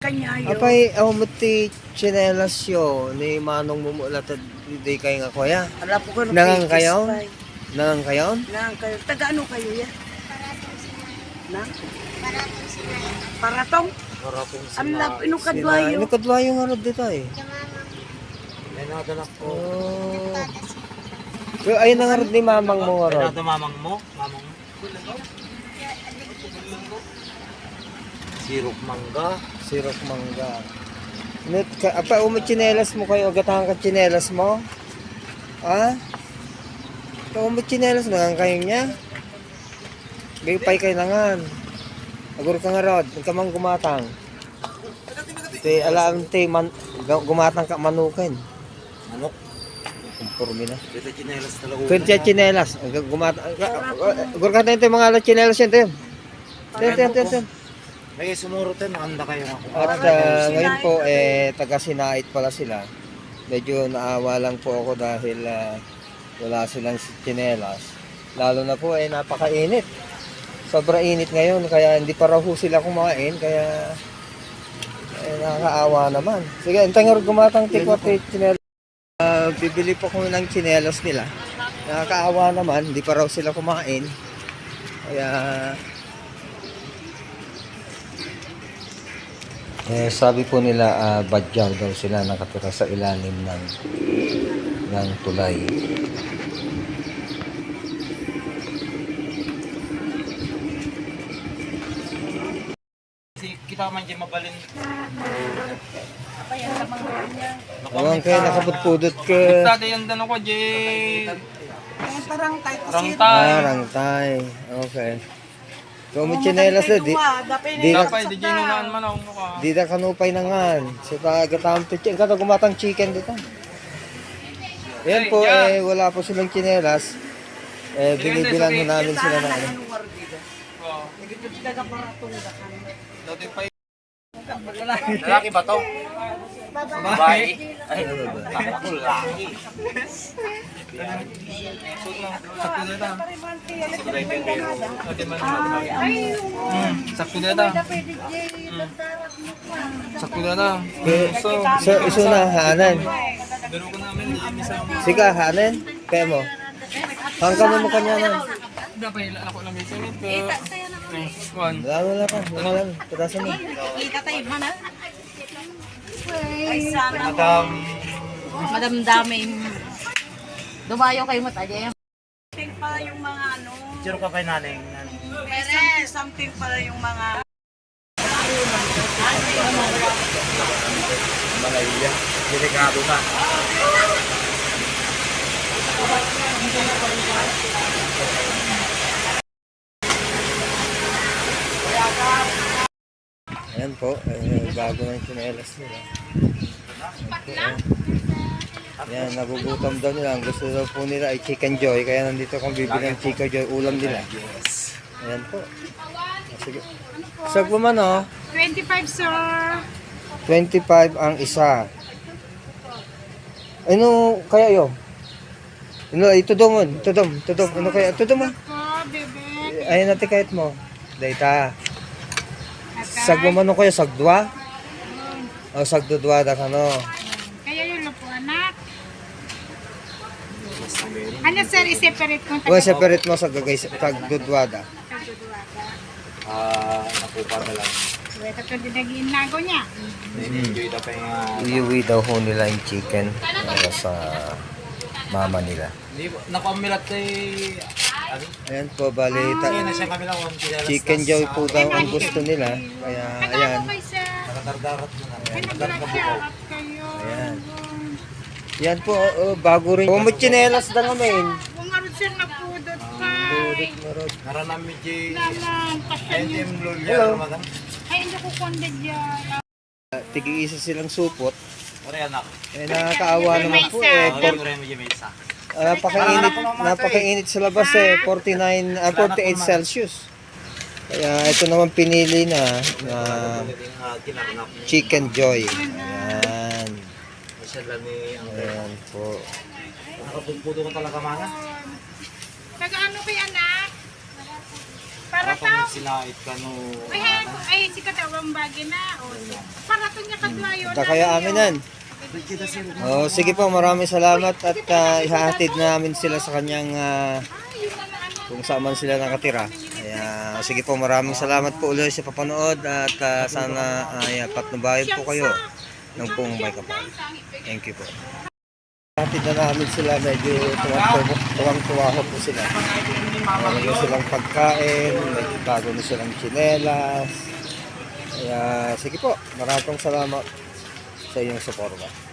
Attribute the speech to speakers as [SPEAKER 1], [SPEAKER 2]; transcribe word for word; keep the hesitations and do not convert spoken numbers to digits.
[SPEAKER 1] Kanyayo.
[SPEAKER 2] Apay, ako mo ti chinelas yo, ni manong mumulat at di kayo nga kuya.
[SPEAKER 1] Ala po ko
[SPEAKER 2] Nangang kayo? Nangang kayo?
[SPEAKER 1] Nangang kayo. Taga ano kayo ya? Nang?
[SPEAKER 3] Paratong sila.
[SPEAKER 1] Paratong?
[SPEAKER 4] Maratong
[SPEAKER 1] Ang
[SPEAKER 4] sila.
[SPEAKER 1] lap, inong
[SPEAKER 2] Sila,
[SPEAKER 1] kadwayo.
[SPEAKER 2] ano kadwayo nga rin dito eh.
[SPEAKER 4] May nadalak ko.
[SPEAKER 2] Oh. Pero ayun na nga rin ni mamang mo nga
[SPEAKER 4] May
[SPEAKER 2] rin.
[SPEAKER 4] nada mamang mo? Mamang mo? Sirop mangga.
[SPEAKER 2] Sirok mangga. Net ka, apa umo chinelas mo kayo, gatahan ka chinelas mo? Ha? Ikaw umo chinelas na nga kayo niya? Gaypay kayo nangan. Agur ka nga rod, huwag ka mang gumatang. Te, alam te, man, gumatang ka manukin.
[SPEAKER 4] Manok.
[SPEAKER 2] Kumpurmi na.
[SPEAKER 4] Dito chinelas talaga.
[SPEAKER 2] Kaya siya chinelas, gumatang. Agur ka tayo mga ala chinelas yan, te. Te, te, te, te.
[SPEAKER 4] May sumurot yan, anda kayo ako.
[SPEAKER 2] At uh, ngayon po, eh, taga Sinait pala sila. Medyo naawa lang po ako dahil uh, wala silang tsinelas. Lalo na po, eh, napakainit. Sobra init ngayon, kaya hindi pa raw ho sila kumain, kaya eh, nakakaawa naman. Sige, antay nga gumatang tikwate tsinelas. Uh, bibili po kami ng tsinelas nila. Nakakaawa naman, hindi pa raw sila kumain. Kaya... Eh, sabi po nila, uh, badyaw daw sila nakatira sa ilalim ng ng tulay.
[SPEAKER 4] Kita man dyan mabalin.
[SPEAKER 1] Apa yan sa mga niya?
[SPEAKER 2] Ewan kayo, nakapudpudot ka.
[SPEAKER 5] Dati yung tanong ko, Jay.
[SPEAKER 1] Eh, parang tayo kasi.
[SPEAKER 5] Rangtay.
[SPEAKER 2] Ah, rangtay. Okay. Kung may tsinelas na, di, di na,
[SPEAKER 5] Tapay, di Jay nunaan man ako mukha.
[SPEAKER 2] di na kanupay na nga. Sa tagatam to chicken, kata gumatang chicken dito. Yan po, eh, wala po silang tsinelas. Eh, binibilan ho namin sila na ano.
[SPEAKER 5] Oo.
[SPEAKER 1] Taga paratong dakan.
[SPEAKER 5] Dati pa
[SPEAKER 4] Lalaki ba to? Babae. Ay, ako lalaki.
[SPEAKER 5] sakto na ito. Dati man
[SPEAKER 1] Ay,
[SPEAKER 5] sakto na ito. Sakto na ito.
[SPEAKER 2] Eh, so, iso na, hanan.
[SPEAKER 5] Dalo ko namin, linis ang
[SPEAKER 2] Sika, hanan. Kaya mo. Hanggang mo mo kanya na.
[SPEAKER 5] Dapat ako lang may singit ko. One.
[SPEAKER 2] Wala, wala pa. Wala lang. Patasan mo.
[SPEAKER 1] ikatay man ha? Ay, sana.
[SPEAKER 4] Madam.
[SPEAKER 3] Madam daming. Dumayo kayo mataja.
[SPEAKER 1] Something pala yung mga ano.
[SPEAKER 4] Sino ka kay nanay?
[SPEAKER 1] May something, something pala yung mga.
[SPEAKER 4] Malaya. Delikado na.
[SPEAKER 2] Ayan po, eh, bago ng tsinelas nila. Ayan po, eh. Ayan, nagugutom daw nila. Ang gusto daw po nila ay chicken joy. Kaya nandito kong bibili ng chicken joy. Ulam nila. Ayan po. Ah, sige. Sag po man oh.
[SPEAKER 3] twenty-five, sir.
[SPEAKER 2] twenty-five ang isa. Ano kaya yo? Ano, ito daw mo. Ito daw. Ito daw. Ano kaya? Ito daw mo. Ayan natin kahit mo. Data. Sag mo man kaya sagdwa? O sagdudwa da ka no.
[SPEAKER 3] Kaya yung lupo, anak. Ano, sir, i-separate ko.
[SPEAKER 2] O separate mo sa gagay sagdudwa da.
[SPEAKER 4] Ah, nakupa na lang.
[SPEAKER 3] Ito ko dinagin nago niya.
[SPEAKER 4] Enjoy na pa yung...
[SPEAKER 2] Iuwi daw ho nila yung chicken para sa mama nila.
[SPEAKER 4] Hindi, nakamilat kay... Ano?
[SPEAKER 2] Ayan po, bali, ta-
[SPEAKER 4] Kaya na siya kami lang.
[SPEAKER 2] chicken joy po daw ang gusto nila. Kaya, ayan.
[SPEAKER 3] Okay, sir.
[SPEAKER 4] Nakadardarat mo na.
[SPEAKER 3] Ay, naglasyarap kayo.
[SPEAKER 2] Ayan. Yan po, oh, bago rin. Pumuchinelas na ngayon.
[SPEAKER 3] Kung ano, sir, napudot ka.
[SPEAKER 2] Budot mo rin.
[SPEAKER 4] Naranami J.
[SPEAKER 3] Naman, pasya
[SPEAKER 4] N
[SPEAKER 3] niyo.
[SPEAKER 4] M Lolia.
[SPEAKER 2] Hello.
[SPEAKER 4] Madam.
[SPEAKER 3] Ay, hindi ko konded yan.
[SPEAKER 2] Tigi-isa silang supot.
[SPEAKER 4] Pare anak.
[SPEAKER 2] Eh, nakakaawa naman po. Eh,
[SPEAKER 4] Ah,
[SPEAKER 2] por-
[SPEAKER 4] pare mo J. Mesa.
[SPEAKER 2] ah, napakainit, napakainit sa labas eh. forty-nine, ah, forty-eight Celsius. Kaya ito naman pinili na na
[SPEAKER 4] Ah, kinakanap niya.
[SPEAKER 2] chicken joy. Ayan.
[SPEAKER 4] Siya lang ni ang
[SPEAKER 2] Ayan po.
[SPEAKER 4] nakapagpudo ko talaga mana.
[SPEAKER 3] Taga ano kay anak? Para Para
[SPEAKER 4] Kapag
[SPEAKER 3] tao.
[SPEAKER 4] sinait ka no.
[SPEAKER 3] Ay, ay, ay, si katawang bagi na. O, para to niya kadwayo.
[SPEAKER 2] Punta kaya aminan. Oh, sige po, maraming salamat at uh, ihahatid namin sila sa kanyang ah, kung saan man sila nakatira. Kaya sige po, maraming salamat po ulit sa papanood at ah, sana ay patnubayan po kayo ng buong may kapal. Thank you po. Ihahatid na namin sila, medyo tuwang- tuwang-tuwa ho po sila. Meron na silang pagkain, may bago na silang tsinelas. Kaya sige po, maraming salamat sa iyong suporta.